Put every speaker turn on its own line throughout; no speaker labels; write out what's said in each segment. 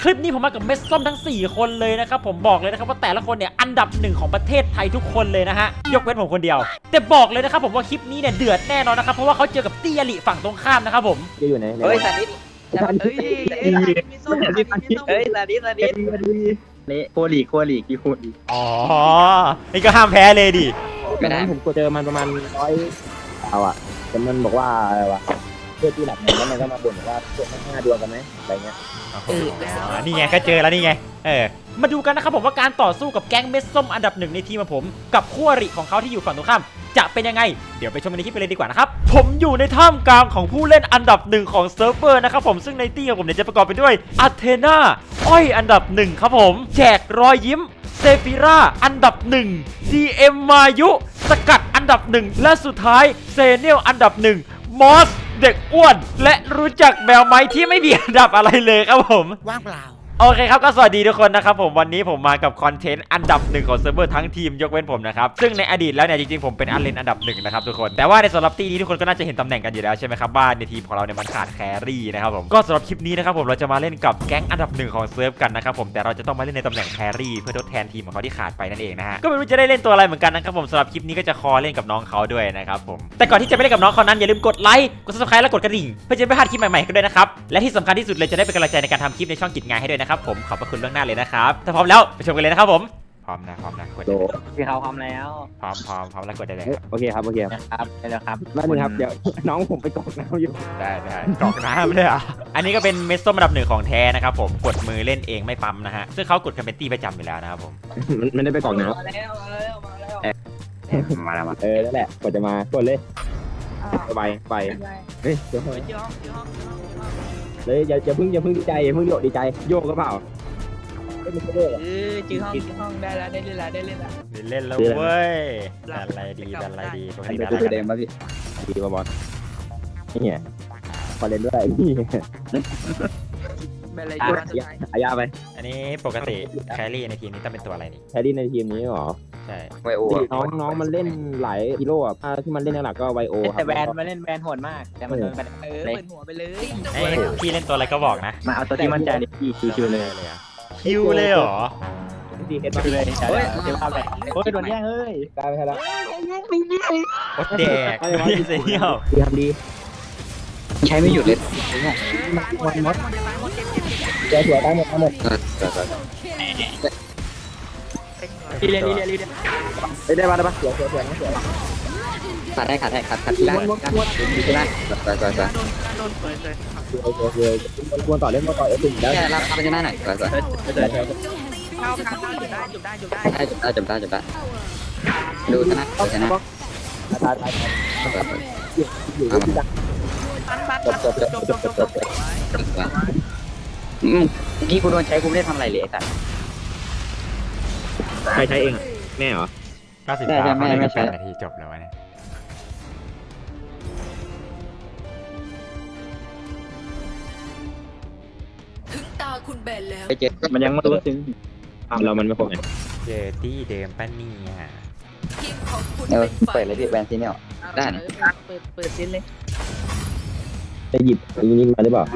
คลิปนี้ผมมากับเม็ดส้มทั้ง4คนเลยนะครับผมบอกเลยนะครับว่าแต่ละคนเนี่ยอันดับ1ของประเทศไทยทุกคนเลยนะฮะยกเว้นผมคนเดียวแต่บอกเลยนะครับผมว่าคลิปนี้เนี่ยเดือดแน่นอนนะครับเพราะว่าเขาเจอกับตี้อริฝั่งตรงข้ามนะครับผม
จะอยู่ไหน
เฮ้ยสานิทเฮ้ยเฮ้ยสานิท
นี่โคลีกกี่คน
อ๋อนี่ก็ห้ามแพ้เลยดิ
ไม่ได้
ผมเจอมันประมาณเอาอ่ะแต่มันบอกว่าอะไรวะเพื่อที่หลับหนึ่งแล้วมันก็มาบ่นว่าพวก5 ดวงกันไหมอะไรเงี้ย
นี่ไงก็เจอแล้วนี่ไงมาดูกันนะครับผมว่าการต่อสู้กับแก๊งเม็ดส้มอันดับ1ในทีมของผมกับคู่อริของเขาที่อยู่ฝั่งตรงข้ามจะเป็นยังไงเดี๋ยวไปชมกันในคลิปไปเลยดีกว่านะครับผมอยู่ในท่ามกลางของผู้เล่นอันดับ1ของเซิร์ฟเวอร์นะครับผมซึ่งในตี้ของผมเนี่ยจะประกอบไปด้วยอาเทนาอ้อยอันดับ1ครับผมแจกรอยยิ้มเซฟิราอันดับ1 DM มายุสกัดอันดับ1และสุดท้ายเซเนียลอันดับ1มอสเด็กอ้วนและรู้จักแมวไหมที่ไม่มีอันดับอะไรเลยครับผม
ว่างเปล่า
โอเคครับก็สวัสดีทุกคนนะครับผมวันนี้ผมมากับคอนเทนต์อันดับ1ของเซิร์ฟเวอร์ทั้งทีมยกเว้นผมนะครับซึ่งในอดีตแล้วเนี่ยจริงๆผมเป็นอันเลนอันดับ1นะครับทุกคนแต่ว่าในสำหรับตีนี้ทุกคนก็น่าจะเห็นตำแหน่งกันอยู่แล้วใช่ไหมครับว่าในทีมของเราเนี่ยมันขาดแครี่นะครับผมก็สำหรับคลิปนี้นะครับผมเราจะมาเล่นกับแก๊งอันดับ1ของเซิร์ฟกันนะครับผมแต่เราจะต้องมาเล่นในตำแหน่งแครี่เพื่อทดแทนทีมของเขาที่ขาดไปนั่นเองนะฮะก็ไม่รู้จะได้เล่นตัวอะไรเหมือนกันนะครับผมสำหรับคลิปนี้ก็จะคอเล่นกับน้องเขาด้วยนะครับผมแต่ก่อนที่จะไปเล่นกับน้องเขานั้นอย่าลืมกดไลค์กด Subscribe และกดกระดิ่งเพื่อจะไม่พลาดคลิปใหม่ๆกันด้วยนะครับและที่สำคัญที่สุดเลยจะได้เป็นกำลังใจในการทำคลิปในช่องกิจงานให้ด้วยนะครับผมขอบพระคุณล่วงหน้าเลยนะครับถ้าพร้อมแล้วไปชมกันเลยนะครับผมพร้อมนะกดได้เลย
พี่เขาพร้อมแล้ว
พร้อมแล้วกดได้เลย
โอเคครับ
ครับได้แล้วครับ
นั่นนึงครับเดี๋ยวน้องผมไปกรอกน้ำอยู่
ได้กรอกน้ำเลยอ่ะอันนี้ก็เป็นเม็ดส้มอันดับ1ของแท้นะครับผมกดมือเล่นเองไม่ปั๊มนะฮะซึ่งเขากดกันเป็นตี้ประจำอยู่แล้วนะครับผม
มันได้ไปกรอกน้ำ
มาแล้ว
นั่นแหละกดจะมากดเลยไปเฮ้ยเลยอย่าเพิ่งดีใจอย่าเพิ่งดีใจโยกก็เปล่า
จื้อห้องได้แล้วได้เล่น
แล้วเว้ยดันอะไรดีปกติดันอะไร
เดิมป่ะพี่
ดีป่ะบอสนี่พอเล่นด้วยนี่อายาไป
อันนี้ปกติแครี่ในทีมนี้ต้องเป็นตัวอะไรนี่
แครี่ในทีมนี้หรอ
ใช่
ไวโอ
น้องมันเล่นหลายฮีโร่อะที่มันเล่นหลักก็ไวโอครับ
แต่แวนมาเล่นแวนโหดมากแต่มันเปิดหัวไปเลย
พี่เล่นตัวอะไรก็บอกนะ
มาเอาตัวที่มั่นใจดิพี่คิวเลย
เหรอ
ดีเฮ็ดมาเลย
เฮ้ยเดี๋ยวเอาไปโอ้ยโดนแย่งเฮ้ย
ตายไปแล้ว
โอ๊ตแดกเสียว
ทำดี
ใช้ไม่หยุดเลย
วันมดเจ้าหัวตายหมด
รีเล่น
ได้ปะเสีย
ขาดที่ล่าง
ควรต่อเล่นต่อถึงได้
รับไปชนะหน่อย
เข้าจุดได้
ดูชนะ
ตายอยู่ที่ดัก
กี้กูโดนใช้กูไม่ได้ทำอะไรเลยไอ้สัส
ใครใช้เองแม่เหรอ
99ไม่ใช่นาทีจบแล้ววะเนี่ย
ถึงตาคุณแบนแล้ว
ไปเจ็บมันยังไม่รู้ซึ้ง
เรามันไม่ครบไง
เจอตี้เดิมป้านี่ฮะ
เปิดเลยพี่แบนซีเนี่ยได้นะเปิดซินเลย
จะหยิบยิงมาได้เปล่า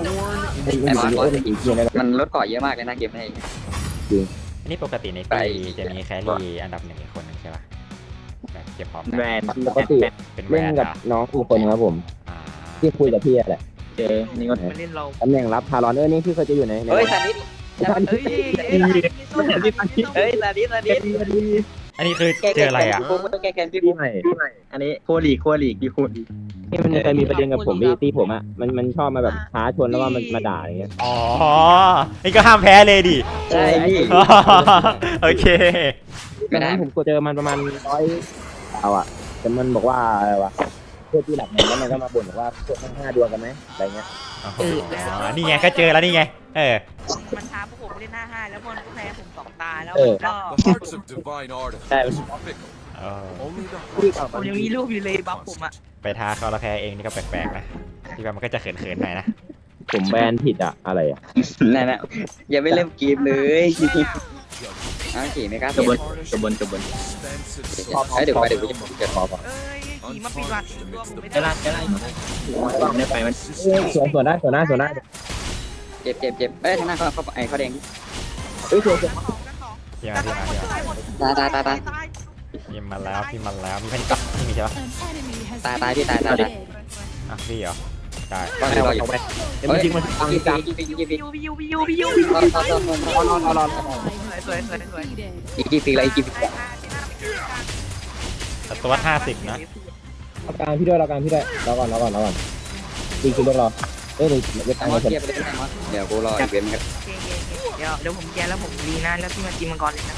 มันลดเกาะเยอะมากเลยนะเกมนี้
อันนี้ปกติในปีจะมีแครี่อันดับ1อีกคนนึงใช่ป่ะแบบเก็บพร้อม
แวนปกติเป็นเล่นกับน้องอีกคนครับผมที่คุยกับพี่แหละ
นี่ก็เล่นเรา
ตำแหน่งรับพารอนนี่พี่เคยจะอยู่ใน
เฮ้ยสานิทเฮ้ยสานิท
อันนี้คือเจออะไรอ่ะ
แกนพี่ใหม่อันนี้โคลีกพี่คุณ
ที่มันเคยมีประเด็นกับผมที่ผมอ่ะมันชอบมาแบบท้าชนแล้วว่ามันมาด่าอย่างเงี้ย
อ๋อนี่ก็ห้ามแพ้เลยดิ
ใช่พี่
โอเค
ไม่ได้ผมเจอมันประมาณเอาอ่ะแต่มันบอกว่าอะไรวะเพื่อที่หลับหนึ่งแล้วมันก็มาบ่นว่าพวก5 ดวงกันไหมอะไรเงี้ย
นี่ไงก็เจอแล้วนี่ไง
มันท้าพวกผมเล่น55แล้วมันแพ้ผม2 ตาแล้วก็
ใช่
ผมยังมีรูปอยู่เลยบัฟผมอ่ะ
ไปท้าเขาแล้วแพ้เองนี่ก็แปลกๆนะที่ว่ามันก็จะเขินๆหน่อยนะ
ผมแบนผิดอะอะไรอะ
นั่นแหละอย่าไม่เล่นเกมเลยขี่ไม่กล้า
กระบวน
เดี๋ยวจะเกิดพอ
ขี่มาปิดวัด
ได้ไล่ไม่ไปมัน
ส่วนได้
เจ็บเอ้ยทางหน้าเขาไอ้เขาแดง
เฮ้ยสวย
พี่มาพี่มาพี่มา
ตาย
พี่มาแล้วพี่มาแล้วมีแพนิคพี่มีใช่ปะ
ตายพี่ตาย
อ่ะพี่เหรอได้
ก็รออยู่
เดี๋ยวมันยิงมันตัง
ยิง
จัง
พี่ยู
รอ
สวย
อีกกี่ปีแล้วอีกกี่ปี
แต่ตัว50นะ
เอากลางพี่ด้วยเรากลางพี่ด้วยรอก่อนจริงคือเรื่องรอเอ้ยเดี๋ยวตัง
มอ
ค์
ส
เสร็จ
เกียร์ไปเลยมอสเดี๋ยวกูรออีกเว้นครับ
เดี๋ยวผมแกแล้วผมรีนะแล้วพี่มากินมังกรเลยนะ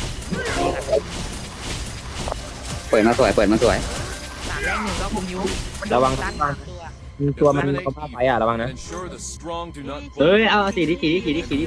เปิดมาสวย
3-1ก็ผมยู
ระวัง
ตัว
มีตัวมันเอาผ้าไประวังนะ
เฮ้ยเอาสีดิ
ครึ่งหลอดครึ่ง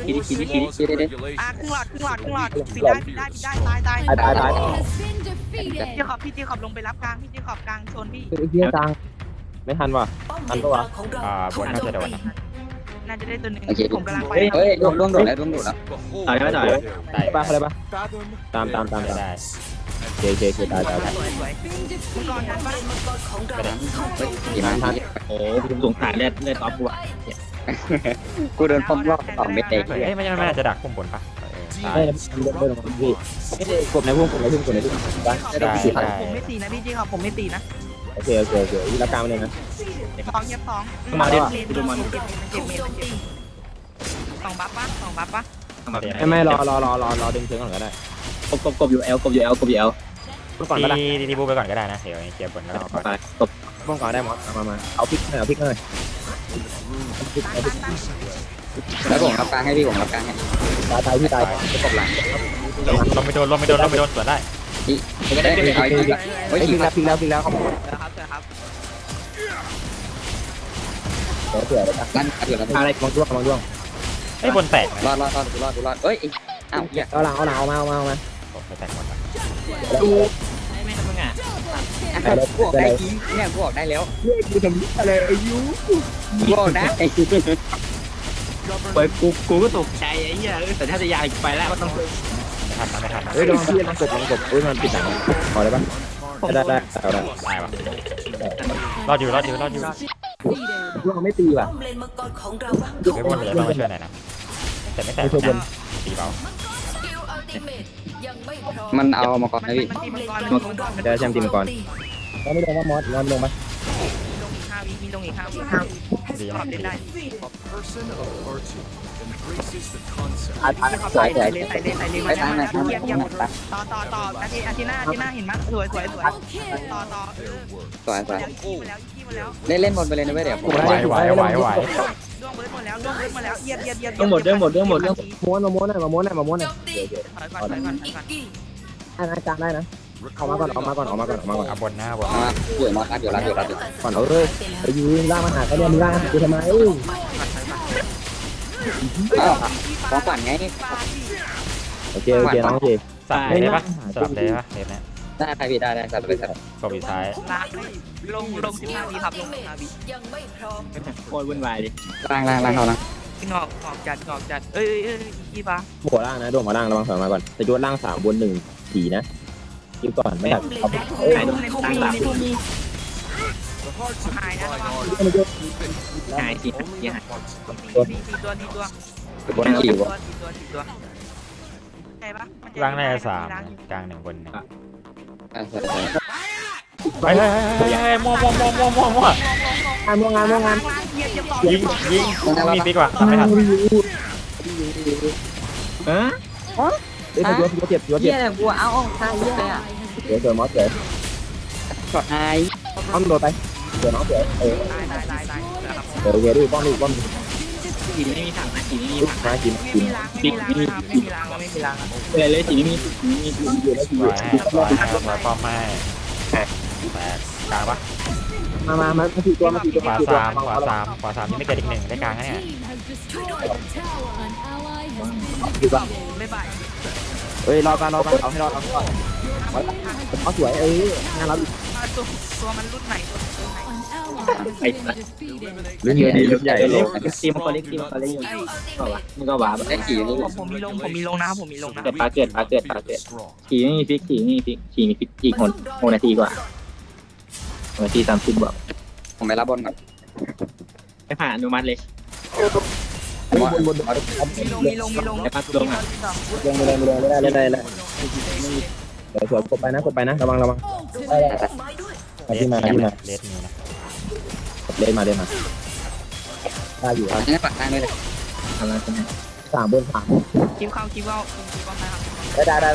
หลอดปิดได้ตาย
ตาย
พี่จีขอบลงไปรับกลางพี่จีขอบกลางโซนพี่
ไอ้เหี้ยตังไม่ทันว่ะทันปะวะ
บนน่าจะโดนนะ
น่าจะได้ตัวหนึ่งผมกำลังไป
เฮ้ยล่วงโดดแล้ว
ต่อยไหมต่อย
ได้
ไปอะไรปะตาม
ได้
เคตาย
สวยมังกรทันปะ
ไม่ได้
กี่มันทัน
โอ้ผมสงสารเลือดท็อปกูอ่ะ
กูเดินป้อมรอบ2 เม็ดเอง
เฮ้ยไม่น่าจะดักพุ่มบนปะตาย
เฮ้ยเดินลงมาพี่กดในพุ่งได้
ผมไม่ตีนะพี่จีขอบผมไม่ตีนะ
โอเครักกลางเลยนะ
2เย็บ2
มาดิ
เจ็บ2 บัฟปะ
ไม่รอดึงเชิงก่อนก็ได้
กบอยู่เอล
เมื่อก่อนก็ได้
ตีบูไปก่อนก็ได้นะเดี๋ยวเคลียร์บนแล้วเราก่อน
ไปกบ
เมื่อก่อนได้หมดมาเอาพริกหน่อย
แล้วผมรับกลางให้พี่ผมรับกลางให้
ตายพี่ตาย
ตบหลัง
ลงไม่โดนสวนได้
ก็ได้เอาอีกเฮ้ย
พริกแล้วเขาบอก
ครับ
เผื่อได้ปะ
ลั่นเดือดแล้ว
อะไรมองด้วง
ไอ้บนแตก
รอดเอ้ยอ้าวอย่า
เอาหลังเอามา
ไม่แตกหมดละ
ดูไม่ทำมึงอ่ะ
กูออกได้จริงเนี่ยกูออกได้แล้ว
กูทำอะไรอายุ
กูออกได้
เปิดกูก็ตกใจไอ้เหี้ยแต่ถ้าจะยายไปแล้วก็ต้อง
ไม่ทัน
เฮ้ยลองพี่ลองกบมันปิดหนังพอได้ปะได้เอาได้
ตายวะรอดอยู่
พวกไม่ตีว่ะ
ไม่บนเลยต้องมาช่วยหน่อยนะแต่ไม่แตกตีเบา
มันเอามาก่อนนะพี่
มันตีมังกร
เดี๋ยวแชมป์ทีมก่อนเราไม่ลงว่ามอสลงไหม
มีลงอีก5 วิ
ดี
ขอบเล่นได้
ตาย
ใส่เลยมาเยี่ยมต่ออาทิตย์หน้าเห็นมั้ยสวยต่อ
สวย
แล้ว
เล่นบนไปเลยนะเว้ยเดี๋ยวผม
ไหว
ล่วงเบิร์ดหมดแล้วเยี่ยม
หมดเรื่อง
ม้วนมาถอยก่อนได้นะออกมาก่อน
เอาบนหน้าบน
มาเดี๋ยวมาเดี๋ยว
ก่อนเอาเลยไปยืนล่างมาหาเขาเนี่ยมึงล่างกูทำไม
อ้าวของฝันไง
โอเคน้องโอเค
สับเลยได้ปะสลับเลยปะเห็นไหม
ได้ใครพี่ได้สับไปสับ
กบอีซ้าย
ลง15 วิครับลง15 วิ
โคตรวุ่นวายดิ
ล่างเขานะ
งอกจัดเอ้ยอีปะ
หัวล่างนะดวงหัวล่างระวังถอยมาก่อนแต่ยศล่าง3บน1 4นะคิวก่อนไม่ถัดเอา
ในพวกมีหายนะระวัง
หายสิยัง
ตัว
บนขี่วะ
ใช่ปะ
ล่างได้3กลาง1บน1
ใช่
ไปมั่ว
งาน
ยิงมีปีกว่าทำไม่ทัน
ฮะ
เฮ้ยยศเจ็บ
เยี่ยเลยกูเอาท่าเยี่ยเลยอ่ะ
เสือมอสเสือ
ช็อตไฮ
อ้อมโดนไปเสือน้องเสือ
ตาย
เสือเวรีป้องดิป้อง
สีไม่มีถังนะสีไม่มี
มากิน
ไม่มีล้าง
เลยสีไม่มี
อยู่แล้ว
สวยป้อมไม่แตกกลางปะ
มาตีตัว
ขวา3นี่ไม่เกิดอีก1ได้กลางนะเนี่ย
อยู่ป่ะ
ไม่บ่าย
เฮ้ยรอกันเอาให้รอดเอาสวยงานเรา
ตัวมันรุ่นไหน
ไอ้
เรื่องใหญ่
เล็กทีมคนเล็กก็วะมึงก็วาแบบ
ได้ขี่นี่
ผมมีลงนะ
เกิดปลาเกิดขี่ไม่มีฟิกขี่มีฟิกอีก6 นาทีกว่า6 นาที 30 บวก
ผมไปรับบนก่อน
ไม่ผ่านอนุมัติเลย
มอส
บน
มีลง
แต่พัดลงอ่ะ
ยังไม่ได้สวยกดไปนะระวังมาที่มา
เลสมีนะ
เล่นมาได้อยู่ครับ
งั้นปักกลางเลยเลย
ทำอะไรกันเนี่ย
3 บน 3
คิวเข้านะครับ
ได้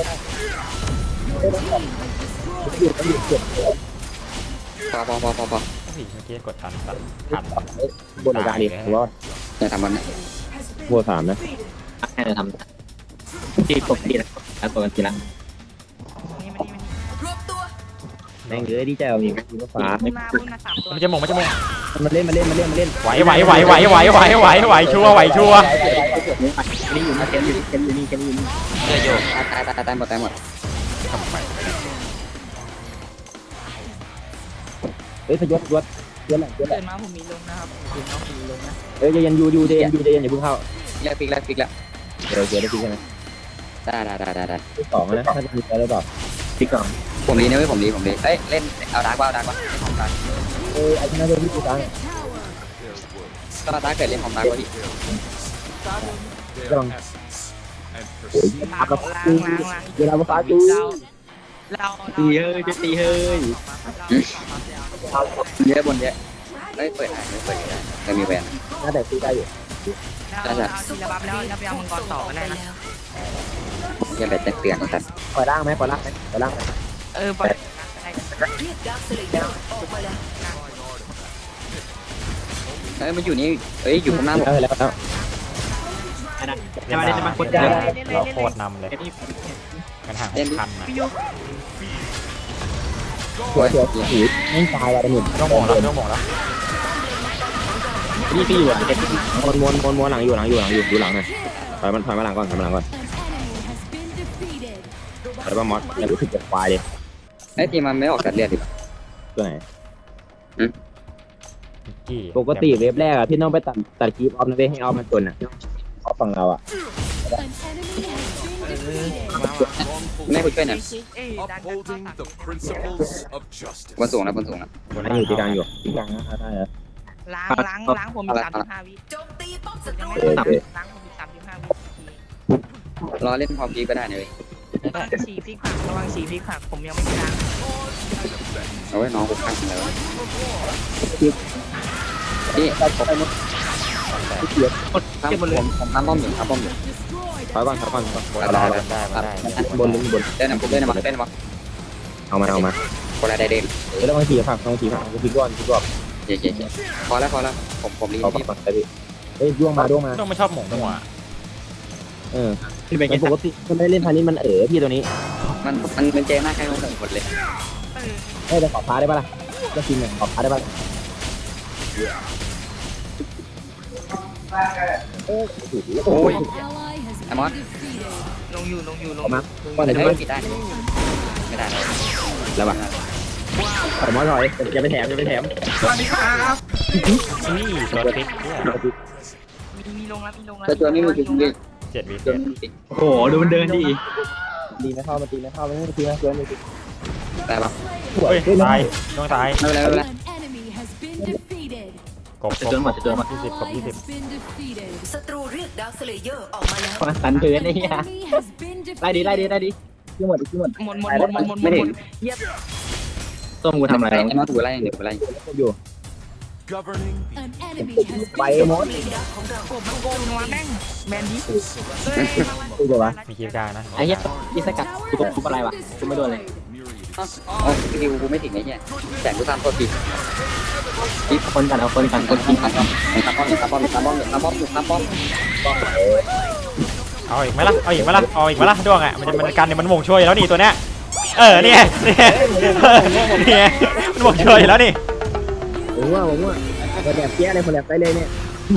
หยุดเก็บ
พอ
โอ้ยเมื่อกี้กดทันทัน
บนกลางดิผมว่า
อย่าทำมันนะ
บัว3นะ
ให้เราทำที่ปกติแล้วตัวกันทีละ
นี่
แม่งดีใจเอาอีกทีมฟ้า
พุ่งมา3ตัว
มันจะมงมัน
มันเล่น
ไหวชัวร์
นี่อยู่นี่เกมอยู่นี่
ตายหมด
ทำไม
เฮ้ยพยศยศหลัง
เกิดมาผมมีลงนะครับผมมีลงนะ
เฮ้ยยังอยู่เดนอย่าเพิ่งเข้า
แลกฟิกแล้ว
เดี๋ยวได้ใช่ไหม
ได้
ที่2นะถ้ามีแล้วแบบ
ที่ก่อน
ผมดีนะเว้ยผมดีเอ้ยเล่นเอาดาร์กว่าของดาร์ก
ไอ้ที่น่าจะที่ตัง
ก็ดาร์กเกิดเล่นของดาร์กว่าพี่
ต้อง
ล้าง
เวลาฟ้าจู
เรา
ตีเฮ้ยจะตีเฮ้ย
เยอะบนเยอะเฮ้ยเปิดไม่เปิดได้แต่มีแหวน
น่าแต่ซื้อได้อยู่
เราทีละบัฟแล้วไปเอามังกรต่อก็ได้นะ
อย่าไปเตือนสัตว์
ปล่อยล่างไหมปล่อยล่าง
ปล่อย
เฮ้ยมันอยู่นี่เฮ้ยอยู่ข้างหน้าผม
แล้ว
จะมาคน
เราโคตรนำเลย
นี่
กันห่างพันนะ
พี่ยุ
สวยไม่ตายว่ะหนุ่ม
ต้องมองแล้วต้องมองแล้ว
นี่พี่อยู่อ่ะเด็ก
ม้วนหลังอยู่หลังหน่อยถอยมาหลังก่อนถอยมามอสแล้วรู้สึกจะควายเลย
ไอ้ทีมันไม่ออกกัดเลือดดิ
ตัวไหน
กี่
ปกติเว็บแรกอะพี่ต้องไปตัดคลิปออฟนะเว้ยให้ออฟมันจนอะออฟฝั่งเราอะ
ไม่คุยด้วยหน่อย
Upholding the principles of justice.
บนสูงนะ
ให้อยู่ที่กลางนะได้แล้ว
ล้างผมมี35วิล้างผมมี35วิ
รอเล่นพร้อมกีก็ได้เลย
สีพริกผักระวังสีพริกผักผมยังไม่ล้าง
เอาไว้น้องกูข้างแล้วพี่ผมทำป้อมอยู่
ถอยก่อน
ได้
บน
เล่นนะ
เอามา
คนละได้เด่น
แล้วบางทีผักกูพลิกก่อน
เจ๊พอแล้วผมรีบ
เอาก่อนไปดิเฮ้ยด้วงมา
ต้องไม่ชอบหมงหัว
ที่เป็น
ปกติมันไม่เล่นพานี้มันพี่ตัวนี้
มันเจ๊มากแค่หมดเลย
เฮ้ยจะขอพาได้ปะล่ะก็จริงขอพาได้ปะโอ้ย
ไอ้มอส
ลงอยู่
ก่อนเลย
ปิดได้ไม่ได้
แล้วปะถอยมอถอยอย่าไปแถม
สวัสดีครับ
นี่โดนพิกเนี่ย
มีลงแล้ว
ตัวนี้มันคือดี
7 วิ
ตัวนี้ติด
โอ้โหดูมันเดินดิ
ตีไม่เข้ามันตีไม่ตีนะเกิน
แต่ปะ
สวย
เฮ้ยตายต้องตาย
ไม่เป็นไร
กบ
จะโดนหมด
20กบ20
ศัตรูเรียกดาวสเลเยอร์ออกมาแล้ว
มาสันเดินไอ้เหี้ยไล่ดิที่หมด
หมดเยียบ
ต้มกูทำอะไร
ไอ้มอสถูกไล่เดี๋ยวไล่
อยู่
Governing
ไปมด
กบมันโกงมาแม่งแมนดี้
กูจะวะ
มีคีบกลางนะ
ไอ้เหี้ยยี่สกัดกูอะไรวะกูไม่โดนเลย
อ๋อคิวกูไม่ถึงไอ้เนี่ยแต่กูทำตัวผิด
คนกันเอาคนกิน
ทำป้อม
เอาอีกไหมล่ะด้วงอ่ะมันกันเนี่ยมันหม่งช่วยแล้วนี่ตัวเนี้ยเนี่ยมันหม่งช่วยแล้วนี่
ผมว่าคนแบบเปี้ยเลยคนแบบไปเลยเนี่ย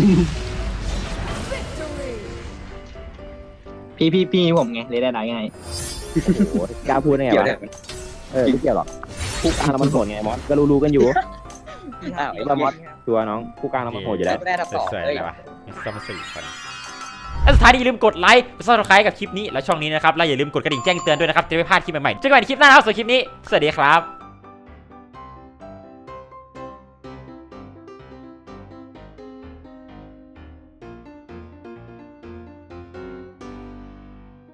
พี่ผมไงเลยได้ไง
โอ้โหกล้าพูดได้ไงวะไม่เกี่ยวหรอกผู้กลางเรามันโหดไงมอสก็รู้กันอยู่ตัวน้องผู้กลางเรามันโหดอยู่แล้ว
ไม่ได้ทับสอง
สวย
เลย
เลยวะมีซ้ำ4 คนและสุดท้ายนี้อย่าลืมกดไลค์กด Subscribe กับคลิปนี้และช่องนี้นะครับและอย่าลืมกดกระดิ่งแจ้งเตือนด้วยนะครับจะไม่พลาดคลิปใหม่ๆเจอกันใหม่ในคลิปหน้าครับส่วนคลิปนี้สวัสดีครับ